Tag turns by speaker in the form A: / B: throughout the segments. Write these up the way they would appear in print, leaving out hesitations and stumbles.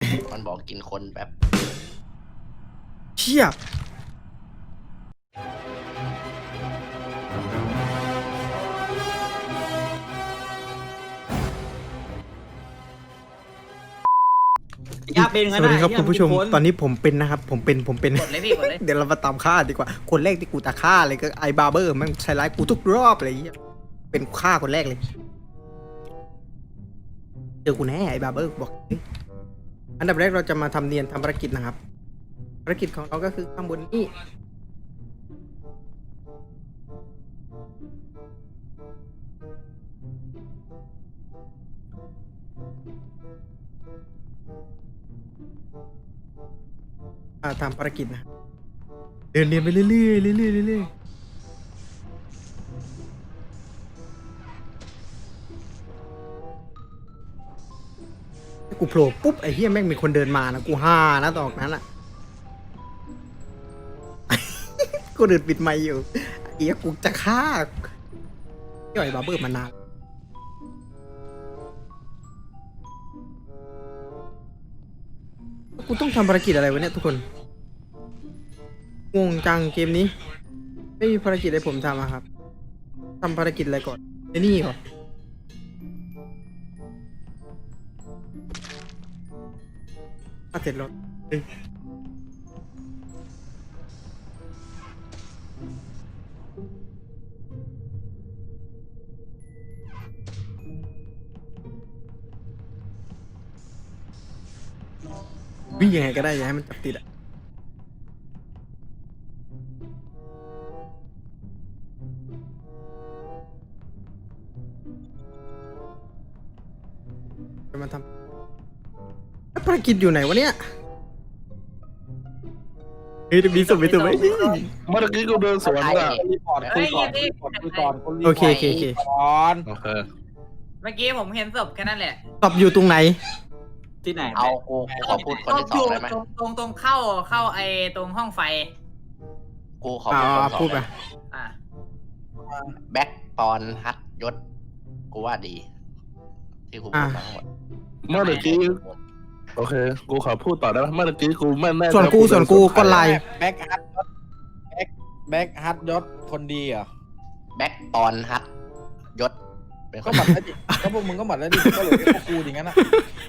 A: มันบอกกินคนแบบ
B: เชี่ย
C: ยาเป็นงั้น
B: สวัสดีครับ
C: นะ
B: คุณผู้ชม ตอนนี้ผมเป็นนะครับ ผมเป็น
A: กดเลยพี่กดเลย
B: เดี๋ยวเรามาตามฆ่าดีกว่า คนแรกที่กูตาฆ่าเลยก็ไอบาร์เบอร์มันใช้ร้ายกูทุกรอบเลยเป็นฆ่าคนแรกเลย เจอกูแน่ไอบาร์เบอร์บอกอันดับแรกเราจะมาทำเนียนทำภารกิจนะครับ ภารกิจของเราก็คือข้างบนนี้ทำภารกิจนะเดินเรียนไปเรื่อยๆเรื่อยๆเรื่อยๆกูโผล่ปุ๊บไอ้เหี้ยแม่งมีคนเดินมานะกูฮ่านะตอนนั้นอ่ะ กูเดินปิดไมค์อยู่ไอ้เหี้ยกูจะฆ่าย่อยบาร์เบอร์มานานกูต้องทำภารกิจอะไรวะเนี่ยทุกคนงงจังเกมนี้ไม่มีภารกิจอะไรผมทำอะครับทำภารกิจอะไรก่อนไอ้นี่ก่อนเสร็จแล้ววิ่งยังไงก็ได้อย่าให้มันจับติดอะจะมาทำแล้วภารกิจอยู่ไหนวะเนี่ยเฮ้ยมีสมมีตัวไหม
D: เมื่อกี้กูเดินสวนอ่ะ
E: รีพอร์ตคุยก่อนรีพอร์ตคุยก่อนคุณรีพ
B: โอ
E: อร์ต
B: เคโอเคโอเค
E: ก่อน
D: โอเค
A: เมื่อกี้ผมเห็นศพแค่นั้นแหละ
B: ตอบอยู่ตรงไหน
C: ที่ไหน
A: เอากูขอพูดคนที่สองได้ไหมตรงเข้าไอ้ตรงห้องไฟ กูขอพูดคนที่สอง
B: พูดไป
A: ได้ไหมอ่ะแบ็คปอนฮัทยศ กูว่าดี ที่กูพูดมาทั้งหมด
D: เมื่อกี้โอเค กูขอพูดต่อได้ไหมเมื่อกี้กูไม่แน่ใจ
B: ส่วนกูก็ไลน์
E: แบ็คฮัทยศแบ็คฮัทยศคนดีเหรอ
A: แบ็คปอนฮัทยศ เป็นค
E: ก็
A: น
E: หมัดแล้วดิก็พวกมึงก็หมัดแล้วดิก็เหลือพวกกูอย่างนั้นอ่ะ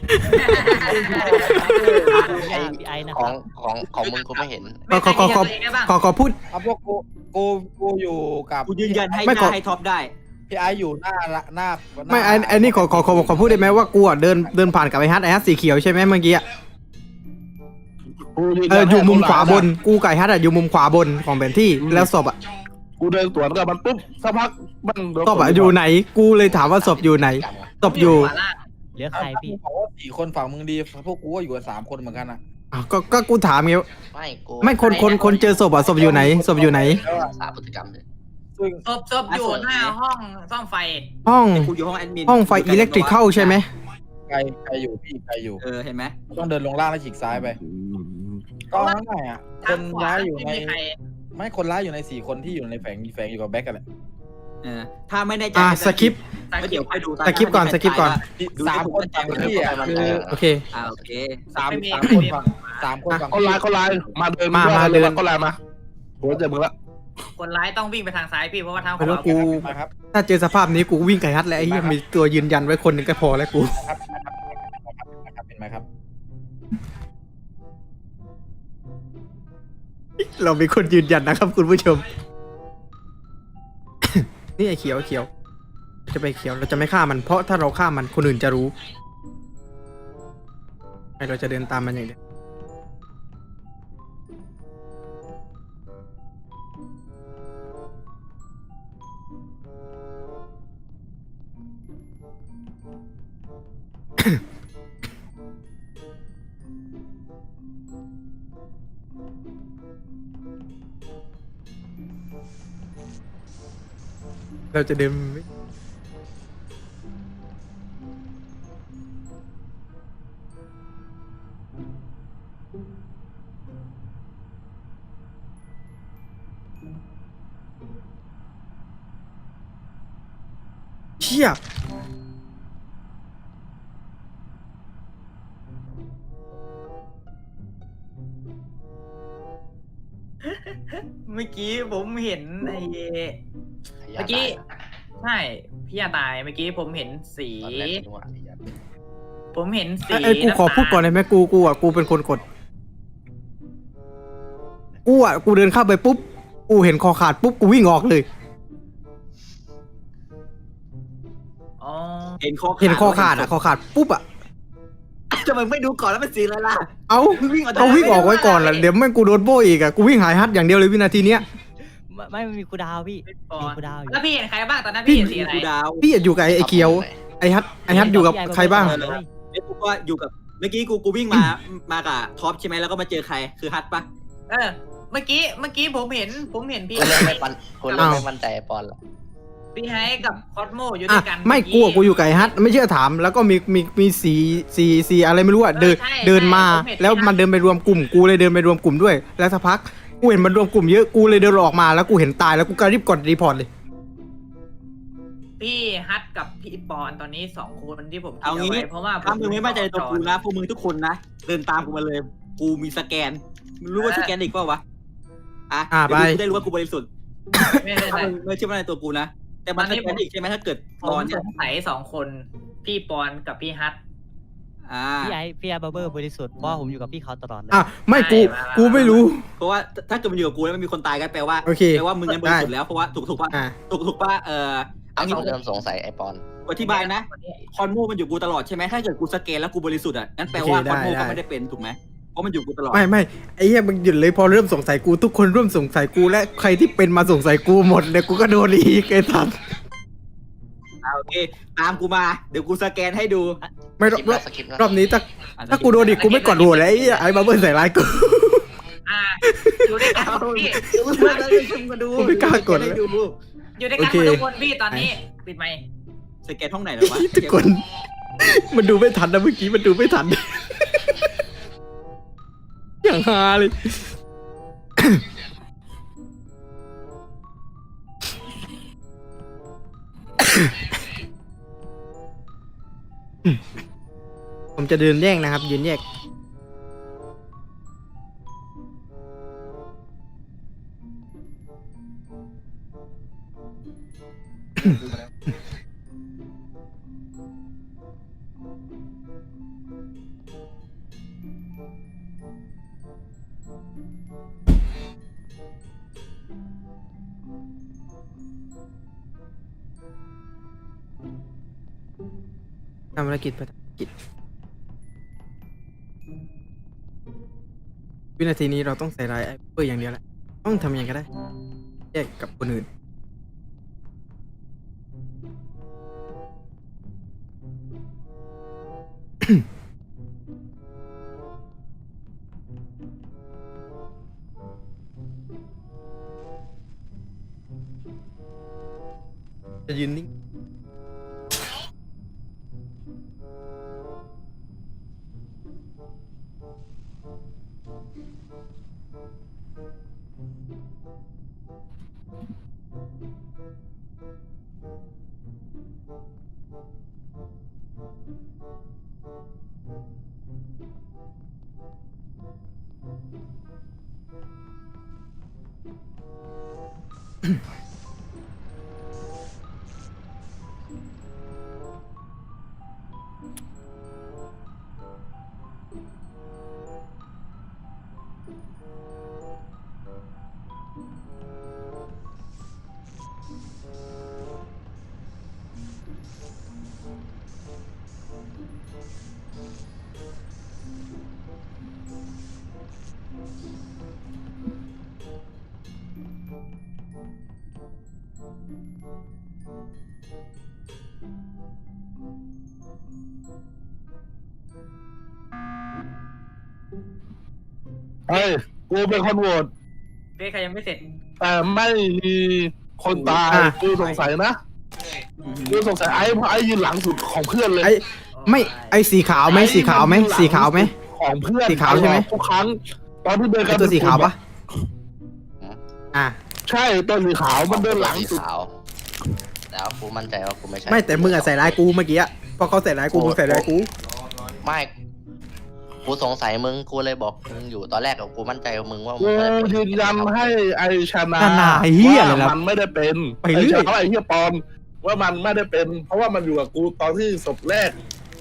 A: ไอ้ของมึงกูไม่เห็น
B: ขอพูด
E: เอาพวกกูอยู่กับ
C: กูยืนยันให้
B: ไม่
C: ห
B: ขอ
C: น้าให้ท็อปได้
E: พี่ไออยู่หน้า
B: ไม่ไอ้นี่ขอพูดได้ไหมว่ากูอ่ะเดินผ่านกับไอ้ฮัทสีเขียวใช่ไหมเมื่อกี้อะ
D: กูยืน
B: อยู่มุมขวาบนกูกับไอ้ฮัทอะอยู่มุมขวาบนของแผนที่แล้วศพอะ
D: กูเดินสวนกับมันปุ๊บสักพักมัน
B: ศพอะอยู่ไหน กูเลยถามว่าศพอยู่ไหนศพอยู่
F: เหลือใครพี่
E: บอกว่า4 คนฝั่งมึงดีพวกกูก็อยู่กัน3 คนเหมือนกันอ่ะ
B: อ้าวก็กูถามไงว่า
A: ไม่กู
B: ไม่คนเจอศพอะศพอยู่ไหนศพอยู่ไหน
A: สาพฤติกรรมเลย
E: ซึ่ง
A: ศพอยู่หน้าห้องซ่อมไฟ
B: ห้อง
C: กูอยู่ห้องแอดมิน
B: ห้องไฟอิเล็กทริคเข้าใช่ไหม
E: ใครอยู่พี่ใครอยู่
C: เห็นไหม
E: ต้องเดินลงล่างแล้วฉีกซ้ายไปก็ง่ายๆอ่ะคนร้ายอยู่ในไม่คนร้ายอยู่ใน4 คนที่อยู่ในแฝงอยู่กับแบ็คกันแหละ
C: ถ้าไม่แน่ใจ
B: สคริป
C: ก็เดี๋ยวค่อยดู
B: สคริปก่อนสคริปก่อน
E: 3 คนฝั่งพี่อ่ะคือ
B: โอเค
C: โอเค
E: สามคนฝั่ง3 คนฝั่ง
D: ก็ไลน์มาเดิน
B: มาเดิน
D: ก็ไลน์มาโหเจ็บมึงละ
A: คนร้ายต้องวิ่งไปทางซ้ายพี่เพราะว่าทางข
B: ไม่รู้
A: วา
B: กู
E: มาครับ
B: ถ้าเจอสภาพนี้กูวิ่งไก่ฮัทแล้วไอ้เหี้ยมีตัวยืนยันไว้คนหนึ่งก็พอแล้วกู
E: เป็นไหมครับ
B: เรามีคนยืนยันนะครับคุณผู้ชม นี่ไอ้เขียวจะไปเขียวเราจะไม่ฆ่ามันเพราะถ้าเราฆ่ามันคนอื่นจะรู้ให้เราจะเดินตามมันอย่างเดียวเราจะเดินเชี่ย
C: เมื่อกี้ผมเห็นไอ้
A: อย่า
C: เมื่อกี้
A: ตายนะ
C: ใช่พี่ยาตายเมื่อกี้ผมเห็นสี
A: ตอนแรกกูนึกว่าอย่า
C: ผมเห็นสี
B: ไอ้ยกูขอพูดก่อนเลยไหมกูเป็นคนกดกูเดินเข้าไปปุ๊บกูเห็นคอขาดปุ๊บกูวิ่งออกเลย
C: อ๋อ
B: เห็นคอขาดคอขาดปุ๊บอะ
C: จะมึงไม่ดูก่อนแล้วเป็นสีอะไรล่ะ
B: เอา
C: วิ่งออก
B: เอาวิ่งออกไว้ก่อนละเดี๋ยวแม่งกูโดนโบอีกอะกูวิ่งหายฮัทอย่างเดียวเลยวินาทีเนี้ย
F: ไม่มันมีคูลดาวน์พี่
C: ก่อ
F: มี
C: น
F: คูลดาวน์อยู่
C: แล้วพี่เห็นใครบ้างตอนนั้นพี่เห็นสีอะไร
E: กูดาว
B: พี่อยู่กับไอ้เคียวไอ้ฮัทอยู่กับใครบ้าง
F: เลย
C: ไอ้กูก็อยู่กับเมื่อกี้กูวิ่งมากับท็อปใช่ไหมแล้วก็มาเจอใครคือฮัทปะเมื่อกี้ผมเห็นพี่
A: กูเริ่มไม่ปันกูเริ่มไม่มั่นใจไอ้ปอนละ
C: พี่ไฮกับคอสโมอยู่ด้
B: อ่ะ
C: วยกัน
B: ไม่กูอยู่กับไอ้ฮัทไม่เชื่อถามแล้วก็มีสีอะไรไม่รู้อะเดินมาแล้วมันเดินไปรวมกลุ่มกูเลยเดินไปรวมกลุ่มด้วยแล้วสักพักกูเห็นมันรวมกลุ่มเยอะกูเลยเดินออกมาแล้วกูเห็นตายแล้วกูก็รีบกดรีพอร์ตเลย
C: พี่ฮัทกับพี่ปอนตอนนี้2คนที่ผมคิด
G: เอางี้
C: ไว้เพราะว่า
G: ถ้ามึงไม่มั่นใจในตัวกูนะพวกมึงทุกคนนะเดินตามกูมาเลย กูมีสแกนมึงรู้ว่าสแกนอีกเปล่าวะเดี๋ยวกูได้รู้ว่ากูบริสุทธิ์
C: ไม่ได้
G: ถ้ามึงไม่เชื่อมั่นในตัวกูนะแต่มันสแกนอีกใช่ไหมถ้าเกิด
C: ผ
G: ตอ
C: ม
G: นเนี้
C: ส
G: ย
C: งสัย2คนพี่ปอนกับพี่ฮัท
F: พี่ไอ้บับเบิ้ลบริสุทธิ์เพราะว่าผมอยู่กับพี่เขาตลอดเลย
B: อ่ะไม่กูไม่รู้
G: เพราะว่าถ้าเกิดมันอยู่กับกูแล้วมันมีคนตายกันแปลว่า
B: โอเค
G: แปลว่ามึงนั้นบริสุทธิ์แล้วเพราะว่าถูกป่ะ
B: อ่ะ
G: ถูกป่ะเอางี้
A: เขาเริ่มสงสัยไอ้ปอน
G: อธิบายนะคอนโมมันอยู่กูตลอดใช่ไหมถ้าเกิดกูสแกนแล้วกูบริสุทธิ์อ่ะงั้นแปลว่าคอนโมก็ไม่ได้เป็นถูกไหมเพราะมันอยู่กูตลอด
B: ไม่ไอ้เหี้ยมึงหยุดเลยพอเริ่มสงสัยกูทุกคนเริ่มสงสัยกูและใครที่เป็นมาสงสัยกูหมดเลยกูก็โดนอีกไอ้สัส
G: โอเคตามกูมาเดี๋ยวกูสแกนให้ดู
B: ไม่ร
A: ส
B: อบ
A: กิปแล้วสกิปแล้ว
B: รอบนี้ถ้ากูโดนอีกกูไม่กดโหวตแล้วไอ้บับเบิ้ลใส่ร้ายกู
C: อยู่ด้วยกันพี่
B: กูไม่กล้ากดเลย
G: ให้ดู
C: อยู่ด้วยกัน
B: โอเค
C: ทุกคนพี่ตอนนี้ปิดไมค์
G: สแกนห้องไหนแล้ววะ
B: ทุกคนมันดูไม่ทันนะเมื่อกี้มันดูไม่ทัน อย่างฮาเลย ผมจะเดินแยกนะครับยืนแยก ทำภารกิจวินาทีนี้เราต้องใส่ร้ายไอ้เพื่ออย่างเดียวแหละต้องทำยังไงก็ได้แยกกับคนอื่น จะยืนนิ่ง
D: เฮ้ยกูเป็นคนโหวต
C: พี่ใครยังไม่เสร็จ
D: แต่ไม่มีคนตาย
B: อ่ะ
D: กูสงสัยนะกูสงสัยไอ้เพราะไอ้ยืนหลังสุดของเพื่อนเลย
B: ไอ้ไม่ไอ้สีขาวไหมสีขาวไหมสีขาวไหม
D: ของเพื่อน
B: สีขาวใช่ไหม
D: ทุกครั้งตอนที่เดินกั
B: ไอ้
D: น
B: ตัวสีขาวปะอ่ะ
D: ใช่ตัวสีขาวมันเดินหลัง
A: สี
D: สุด
A: ขาวแล้วกูมั่นใจว่ากูไม่ใช่
B: ไม่แต่มึงอะใส่ร้ายกูเมื่อกี้อะเพราะเขาใส่ร้ายกูมึงใส่ร้ายกู
A: ไม่กูสงสัยมึงกูเลยบอกมึงอยู่ตอนแรกกับกูมั่นใจกับมึงว่ามึ
D: กู
A: งไม่ได้เป็น
D: ยืนยันให้ไอชนะ
B: หนาเหี้ยอะไร
D: ว่า
B: ล่ะ
D: มันไม่ได้เป็น
B: ไปเรื่อย
D: ไอเหี้ยปอนว่ามันไม่ได้เป็น เพราะว่ามันอยู่กับกูตอนที่ศพแรก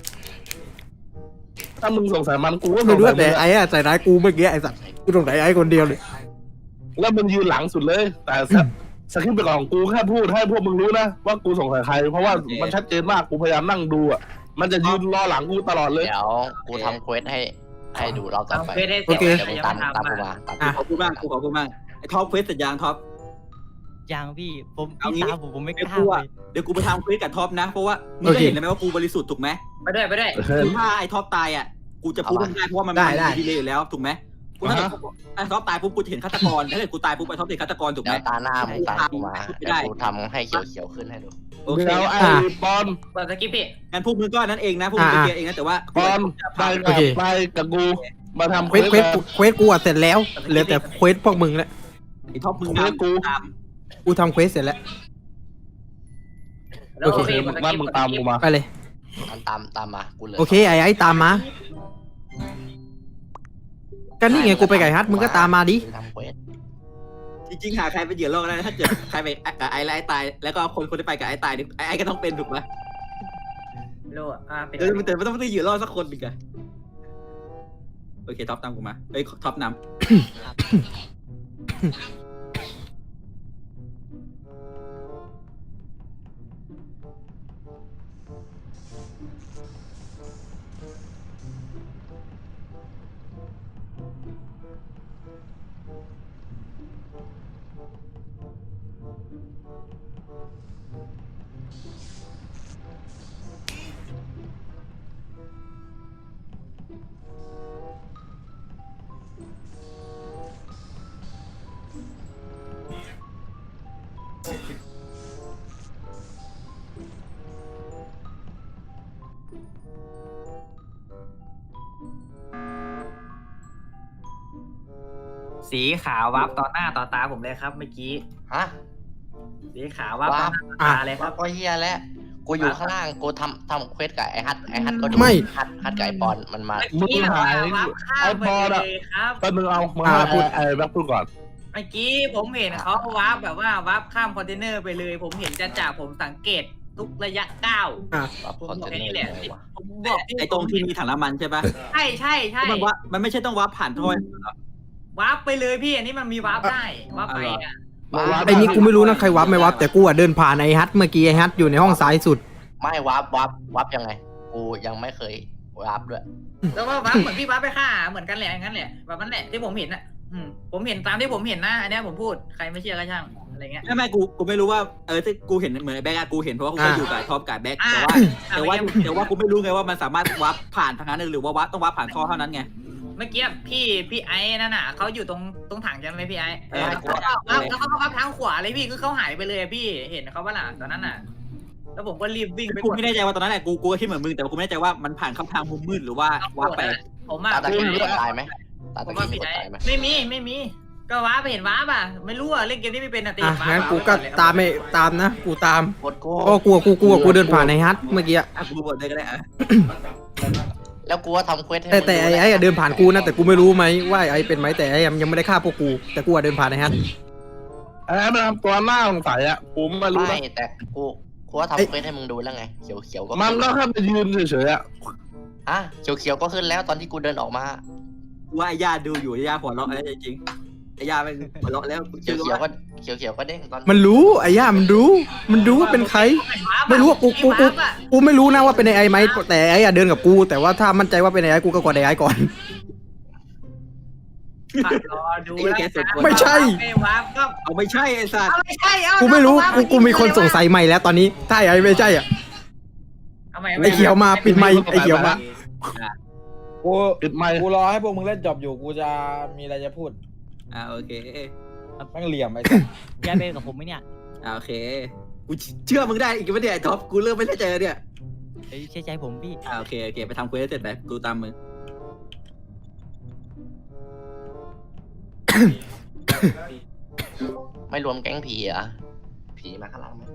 D: ถ้ามึงสงสัยมันกูก็ส
B: ไม่
D: ง
B: รู้
D: สัย
B: แต่
D: มึง
B: ไอ้อะใส่ร้ายกูเมื่อกี้ไอ้สัตว์กูสงสัยไอ้คนเดียวเลย
D: แล้วมันยืนหลังสุดเลย แต่สคริปต์ไปก่อนกูแค่พูดให้พวกมึงรู้นะว่ากูสงสัยใคร เพราะว่ามันชัดเจนมากกูพยายามนั่งดูอ่ะมันจะยืนรอหลังกูตลอดเลย
A: เดี๋ยวกูทำเควสให้ดูเราต่อ
G: ทำ
A: ไป
G: เฟซให้
B: โอ
G: เสร็จ
B: เค
A: เดี๋ยวมึง
G: ยัง
A: ตาม
G: ไม่
A: ตาม
G: ทำ
A: กู
G: อ่ะ
A: มาตาม
B: อ่ะ
A: กู
C: ขอบคุณมากกูขอบคุณมากไอ้ท็อปเควสเสร็จยังท็อป
F: ยังพี่ผม
C: เอา
F: พี่
C: งี้
F: ตามผมไม่ก
C: เดี๋ยว
F: ล้า
C: กู
F: เล
C: อ่ะ
F: ย
C: เดี๋ยวกูไปทำเควสกับท็อปนะเพราะว่ามึง
B: โอ
C: ก็
B: เค
C: เห็นแล้วไหมว่ากูบริสุทธิ์ถูกไหม
G: ไปด้วยไปด้วย
C: คือถ้าไอ้ท็อปตายอ่ะกูจะพูดไม่ได้เพราะว่ามัน
B: ได้
C: มีดีเลยอยู่แล้วถูกไหมกูถ้า
D: อ่าฮะ
C: ไอ้ท็อปตายปุ๊บกูจะเห็นฆาตกรถ้าเกิดกูตายปุ๊บไอ้ท็อปเห็นฆาตกรถูกไหม
A: เดี๋ยวตาหน้ามึงตามกูมา
C: ไม่ได้
A: เดี๋ยวกูทำให้เขียวๆขึ้นให้ดู
C: โอเค
D: เดี๋ยวไอ้ปอน
G: เปิดสกิปพี่
C: งั้นพวกมึงก็นั่นเองนะพวกมึงไปเคลียร์เองนะแต่ว่า
D: ปอนไป
B: โอ
D: กับ
B: เค
D: ไปกับกูมาทำ
B: เควสกูอะเสร็จแล้วเหลือแต่เควสพวกมึงแล้ว
C: ไอ้ท็อปมึง
D: เควสกู
C: ตาม
B: กูทำเควสเสร็จแล้ว
G: แล้ว
B: โอเค
G: เปิดส
D: นั่น
G: กิป
D: มึงตามกูมา
B: ไปเลย
A: ตามมากูเหลย
B: โอเคไอ้ตามมากันนี่ไงกูไปไก่ฮัทมึงก็ตามมาดิ
A: ทำเควส
C: จริงๆหาใครเป็นเหยื่อล่อก็ได้นะถ้าเกิดใครไปกับไอ้แล้วไอ้ตายแล้วก็คนที่ไปกับไอ้ตายนี่ไอ้ก็ต้องเป็นถูกไหม
G: โลเป็น
C: เออแต่ไม่ต้องเหยื่อล่อสักคนหนึ่งอะโอเคท็อปตามกูมาเอ้ยท็อปนำ
G: สีขาววับต่อหน้าต่อตาผมเลยครับเมื่อกี้
A: ฮะ
G: สีขาววับต่อหน้าต่อตาเลยครับ
A: ก็เฮียแล้วกูอยู่ข้างล่างกูทำเควสกับไอ้ฮัทก็ดู
B: ไม่
A: ฮัทกับไอ้ปอนมันมา
D: มึงหาย
G: วับข้าม
D: ไอ้
G: ไป
D: บอล
G: เล
D: อะ
G: ยครับ
D: แป๊บนึงเอามา
B: พูด
D: ไอ้แบ็คพูดก่อน
G: เมื่อกี้ผมเห็นเขาวับแบบว่าวับข้ามคอนเทนเนอร์ไปเลย ผมเห็นจ่าผมสังเกตทุกระยะก้าว
A: รับ
G: ผม
A: คอน
G: บอ
A: เท
G: ก
A: น
G: แค่
A: เนอ
G: นี้
A: ร์
G: แหละ
A: เลยวะ
G: ผมบอก
C: ไอ้ตรงที่มีถังน้ำมันใช่ปะ
G: ใช่ใช่ใช่
C: มันไม่ใช่ต้องวับผ่านท่อ
G: วับไปเลยพี่อันนี้มันมีวับได้วับไปอ่ะ
B: ไอ้นี่กูไม่รู้นะใครวับไม่วับแต่กูอะเดินผ่านไอ้ฮัทเมื่อกี้ไอ้ฮัทอยู่ในห้องซ้ายสุด
A: ไม่วับยังไง กูยังไม่เคยวับด้วย
G: แล้วก็วับเหมือนพี่วับไปฆ่าเหมือนกันแหละอย่างนั้นแหละแบบนั้นแหละที่ผมเห็นอ่ะผมเห็นตามที่ผมเห็นนะอันนี้ผมพูดใครไม่เชื่อก็ช่างอะไรเงี้ย
C: ไม่กูไม่รู้ว่าที่กูเห็นเหมือนแบ็กกูเห็นเพราะว่ากูก็อยู่กับท็อปกับแบ็กแต่ว่ากูไม่รู้ไงว่ามันสามารถวับผ่านทางนั้นหรือว่าวับต้องวับผ่านท่อเท่านั้นไง
G: เมื่อกี้พี่ไอ้นั่นน่ะเขาอยู่ตรงถังใช่ไหมพี่ไอ้
C: แล้ว
G: เขาก็วับทางขวาเลยพี่คือเขาหายไปเลยพี่เห็นเขาว่าล่ะตอนนั้นน่ะแล้วผมก็รีบวิ่งไป
C: กูไม่แน่ใจว่าตอนนั้นแหละกูก็คิดเหมือนมึงแต่กูไม่แน่ใจว่ามันผ่านเข้าทางมุมมืดหรือว่าวับไป
G: ผมอ่ะ
A: ตาตะกี้มีคนตายไหมตา
G: ผ
A: ตะ
G: มว่า
A: กี้มี
G: พี่
A: คน
G: ไอ้
A: ตายไหม
G: ไม่มีก็ว้าไปเห็นว้าป่ะไม่รู้อ่ะเล่นเกมนี้ไม่เป็นอ่ะตี
B: อ่ะ
G: ว้า
B: งั้นกูก็ตามไม่ตามนะกูตาม
A: กดกู
B: ก็กูเดินผ่านไอ้ฮัทเมื่อกี้อะ
C: กูบดเลยก็ได้อะ
A: แล้วกูว่าทำเควสให้
B: แต่ไอ้อะเดินผ่านกูนะแต่กูไม่รู้ไหมว่าไอ้เป็นไหมแต่ไอ้ยังไม่ได้ฆ่าพวกกูแต่กูอะเดินผ่านไอ้ฮัท
D: ไอ้มันทำตัวหน้าสงสัยอ่ะกูไม่รู้
A: ไม่
D: นะ
A: แต่กูว่าทำเควสให้มึงดูแล้วไงเขียวก็
D: มันก็แค่ไปยืนเฉยๆอ่ะ
A: ฮะเขียวก็ขึ้นแล้วตอนที่กูเดินออกมา
C: ว่าไอ้ย่าดูอยู่ไอ้ย่าหัวเราะแล้วจริงไอ้ย่ามันหัวเราะแล้ว
A: เขียวก็เด้งตอน
B: มันรู้ไอ้ย่ามันรู้ว่าเป็นใคร ไม่รู้ว่ากูไม่รู้นะว่าเป็นไอ้ไหมแต่ไอ้อะเดินกับกูแต่ว่าถ้ามั่นใจว่าเป็นไอ้กูก็กดไอ้ก่อน
G: รอดู
B: ไม่ใช่
G: ไม่ว้าก็
C: เอาไม่ใช่ไอ้สัตว์
G: ไม่ใช่
B: กูไม่รู้กูมีคนสงสัยใหม่แล้วตอนนี้ถ้าไอ้ไม่ใช่อ่ะไอ้เขียวมาปิดไมค์ไอ้เขียวมา
E: กู
D: ปิดไมค์
E: กูรอให้พวกมึงเล่นจบอยู่กูจะมีอะไรจะพูด
C: โอเค
E: แม่งเหลี่ยมไอ้สัส
F: พี่ไอ้เป็นกับผมไหมเนี่ย
C: โอเคกูเชื่อมึงได้อีกไม่ได้ไอ้ท็อปกูเริ่มไม่แน่ใจเนี่ย
F: เฮ้ยเชื่อใจผมพี่
C: โอเคไปทำเควสเสร็จไปกูตามมึง
A: ไม่รวมแก๊งผีเหรอผีมาข้างหลังไหม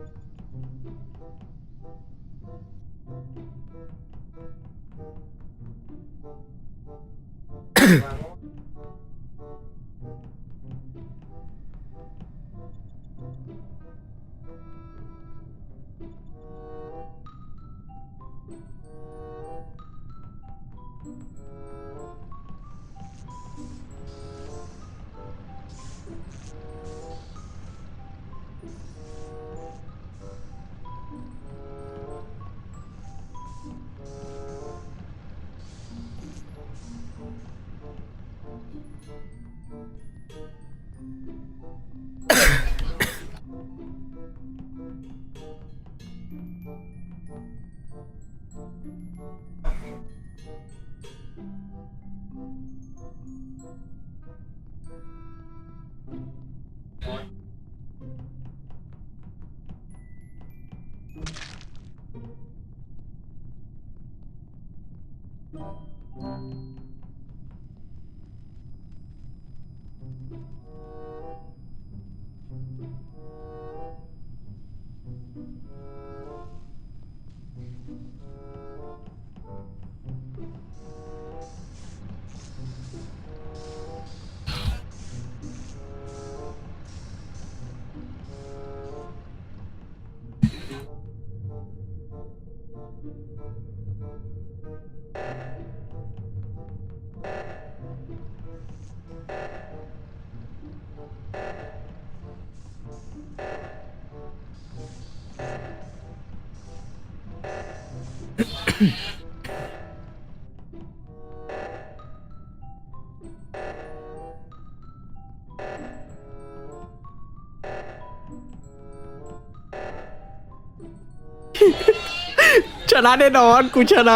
B: ชนะแน่นอนกูชนะ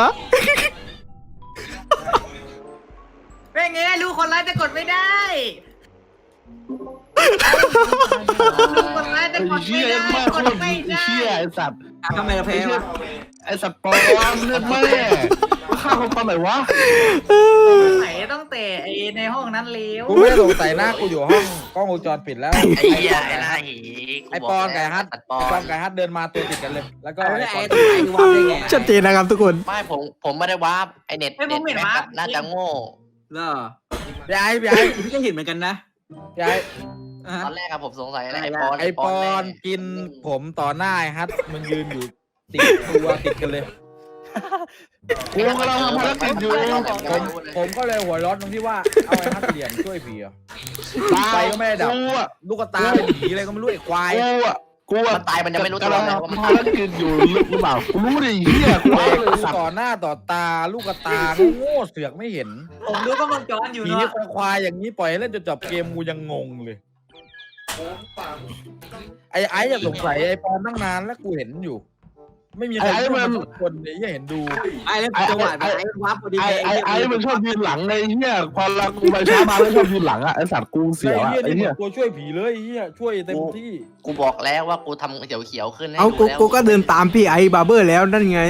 G: เป็นไงรู้คนร้ายจะกดไม่ได้รู้คนร้ายจะกด
D: เชี่
G: ไม่
D: ย
G: ได้
D: มาก
G: กดไม่ได้
D: เชี่ยไอ้สัตว์
C: ทำไมเราแพ้วะ
D: ไอ้สัตว์ปลอมเลือดแม่ฆ่าคนตอนไหนวะ
G: ไหนต้องเตะไอ้ในห้องนั้นเลี้ยว
E: กูไม่ได้สงสัยนะกูอยู่ห้องกล้องวงจรปิดแล้ว
A: ไอ้เหี้ยไอ้หน้าหี
E: ไอปอนกับไอ้ฮัท
A: ปอ
E: ไอปอน นกับไอ้ฮัทเดินมาตัวติดกันเลย แล้วก็
C: ไอ้
E: ไอ
C: ไอ้
E: ปอน
C: ไอ้วางได้ไง
B: ชัดเจนนะครับทุกคน
A: ไม่ผมไม่ได้วาร์ปไอเน็ตเน็ตแบ็คน่าจะโง่
C: เหรอ
E: พี่ไอ้
C: พี่ก็เห็นเหมือนกันนะ
E: พี่ไอ้
C: อ่ะ
A: ตอนแรกอะผมสงสัยอะไร
E: ไอปอนกินผมต่อหน้าไอฮัทมันยืนอยู่ติดตัวติดกันเลย
D: กูกำลังทำภารกิจอยู่
E: ผมก็เลยหัวร้อนตรงที่ว่าเอาไอ้ฮัทเหลี่ยมช่วยผีอ่ะ ไฟก็ไม่ได้ดับ
D: กูอะ
E: ลูกตาเป็นผีอะไรก็ไม่รู้ไอ้ควาย
D: กูอะ
A: มันตายมันจะไม่รู้ตัว
D: กำลัง
A: เลยว่ามัน
D: ทำภารกิจอยู่หรือเปล่ากูรู้ดิเหี้ยกู
E: เตะ
D: เอาเลย
E: กู
D: สัตว์
E: ต่อหน้าต่อตาลูกตาโง่เสือกไม่เห็น
G: ผมดูก็มันจอนอยู่
E: ผี
G: เนาะ
E: ควายอย่างนี้ปล่อยให้เล่นจนจบเกมกูยังงงเลย ไอ้อย่าสงสัยไอ้ปอนตั้งนานแล้วกูเห็นอยู่ ไม่มีใครพูดมาทุกคนเลยยังเห็นดู
C: ไอ้แล้วจังหวะไอ้วับพอดี
D: ไอ้มันชอบยืนหลังไอ้เหี้ยพอเรากูไปช้ามาแล้วชอบยืนหลังอะไอ้สัตว์กูเสียวอะ
E: ไอ้
D: ไอ้
E: เหี้
D: เหี้
E: ย
D: ย
E: นี่ตัวช่วยผีเลยไอ้เหี้ยช่วยเต็มที่
A: กูบอกแล้วว่ากูทำเขียวๆขึ้นให้
B: เอา
A: ดู
B: กู
A: แล้ว
B: กูก็เดินตามพี่ไอ้บาร์เบอร์แล้วนั่นไง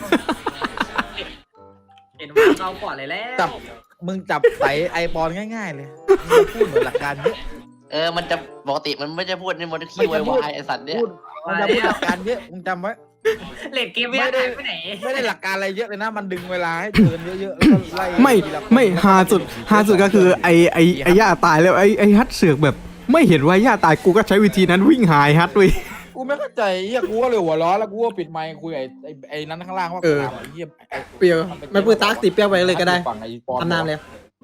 G: เห็นว่าเราก่อนเลยแล้ว
E: จับมึงจับใส่ไอปอนง่ายๆเลยมึงพูดเหมือนหลักการเยอะ
A: มันจะปกติมันไม่จะพูดนี่มันขี้วายไอสัตว์เนี่ย
E: พูดมันจะพูดหลักการเยอะมึงจำไว้
G: เล่นเกมไม่ได้ไปไหน
E: ไม่ได้หลักการอะไรเยอะเลยนะมันดึงเวลาให้เดินเยอะๆแล้วก็ไล่
B: ไม่ฮาสุดก็คือไอ้ย่าตายแล้วไอ้ฮัทเสือกแบบ ไม่เห็นว่าย่าตายกูก็ใช้วิธีนั้นวิ่งหายฮัทเว้ย
E: กูไม่เข้าใจเหี้ยกูก็เลยหัวร้อนแล้วกูก็ปิดไมค์คุยไอ้นั้นข้างล่างว่า
B: เออ
E: ไอ้เหี้ย
B: เปรียวไม่ปืนตากติดเปรี้ยวไปเลยก็ได้
E: ฝั่งไอ้ปอน
B: ทำน้ำเลย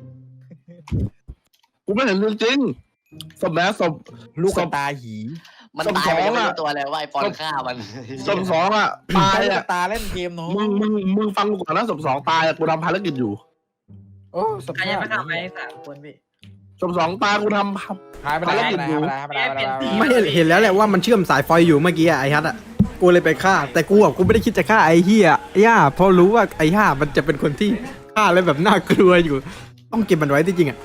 D: กูไม่เห็นจริงๆสมแล้วสม
E: ลูกกระตาหี
A: มันตายไปไม่รู้ตัวเลยว่าไอปอนฆ่ามัน
D: สมสองอะตาย
E: ลูกก
D: อะ
E: ระตาเล่นเกมเนาะ
D: มึงฟังกูก่อนนะสมสองตายอะกูทำภารกิจอยู่
E: โอ้ส
G: ใคร
E: ภา
G: ยัง
E: พ
G: ไม่ทำไป3 คนพี่
D: สมสองตายกูท
E: หายไปไหนหายไปไหนหายไปไหนหายไปไหน
B: ไม่เห็นแล้วแหละว่ามันเชื่อมสายไฟอยู่เมื่อกี้อะไอ้ฮัทอะกูเลยไปฆ่า แต่กูไม่ได้คิดจะฆ่าไอ้เฮียย่าเพราะรู้ว่าไอ้ย่ามันจะเป็นคนที่ฆ่าแล้วแบบน่ากลัวอยู่ ต้องเก็บมันไว้ที่จริงอะ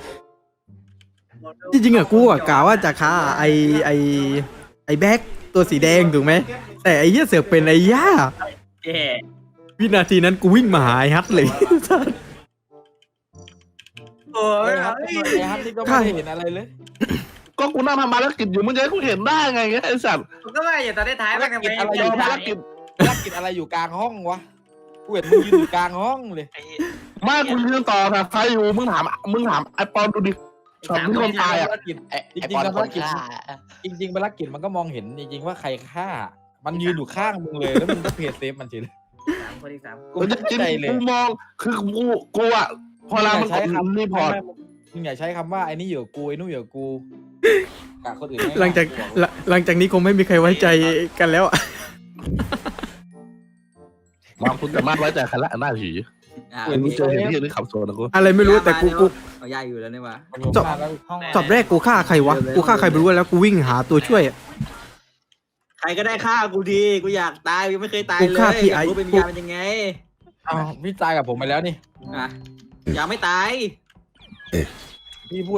B: กูอะกะว่าจะฆ่าไอ้แบ็คตัวสีแดงถูกไหมแต่ไอ้เหี้ยเสือกเป็นไอ้ย่า
G: เย่
B: วินาทีนั้นกูวิ่งมาหาไอ้ฮัทเลย
G: โอ้
E: ไอ้
G: ย
E: ฮัทนี่ก็ไม่เห็นอะไรเลย
D: ำก็กูนั่งทำภารกิจอยู่มึงจะให้กูเห็นได้ไงไอ้สัตว์
G: ผมก็ว่าอย่าตอนท้ายมันกันไป
E: อะไร
D: ยอมภารกิจ
E: ภารกิจอะไรอยู่กลางห้องวะกูเห็นมึงยืนอยู่กลางห้องเลย
D: มากูยืนต่อนะใครอยู่มึงถามไอ้ปอนดูดิช็อตที่คนตายอ่ะ
A: ไอ้ปอนคนฆ่า
E: จริงๆภารกิจมันก็มองเห็นจริงๆว่าใครฆ่า มันยืนอยู่ข้างมึงเลยแล้วมึงก็เพจเซฟมันเฉย
G: คนที่สาม
E: กู
D: จ
E: ไม่
D: ริง
E: ใจเลย
D: กูมองคือกูอ่ะพอเรามันกดรีพอร์ต
E: มึงอย่าใช้คำว่าไอ้นี่อยู่กับกูไอ้นู่นอยู่กับกูกะคนอื่นไม่
B: หลังจากนี้คงไม่มีใครไว้ใจกันแล้วอะ
D: บางคุณสามารถไว้ใจใครละหน้าผี มึงเจอเห็นที่นี่ขับโซนนะกู
B: อะไรไม่รู้แต่กู
G: เอาย่าอยู่แล้วนี่วะ
B: จบ จอบแรกกูฆ่าใครวะกูฆ่าใครไม่รู้แล้วกูวิ่งหาตัวช่วยอะ
G: ใครก็ได้ฆ่ากูดีกูอยากตายยังไม่เคยตาย
B: กู
G: เลย
B: ฆ่าพี่
G: อยากรู้
B: ไอ้
G: เป็นวิญญาณเป็นยังไง
E: อ้าวพี่ตายกับผมไปแล้วนี่
G: อ่ะยังไม่ตาย
E: พี่พูด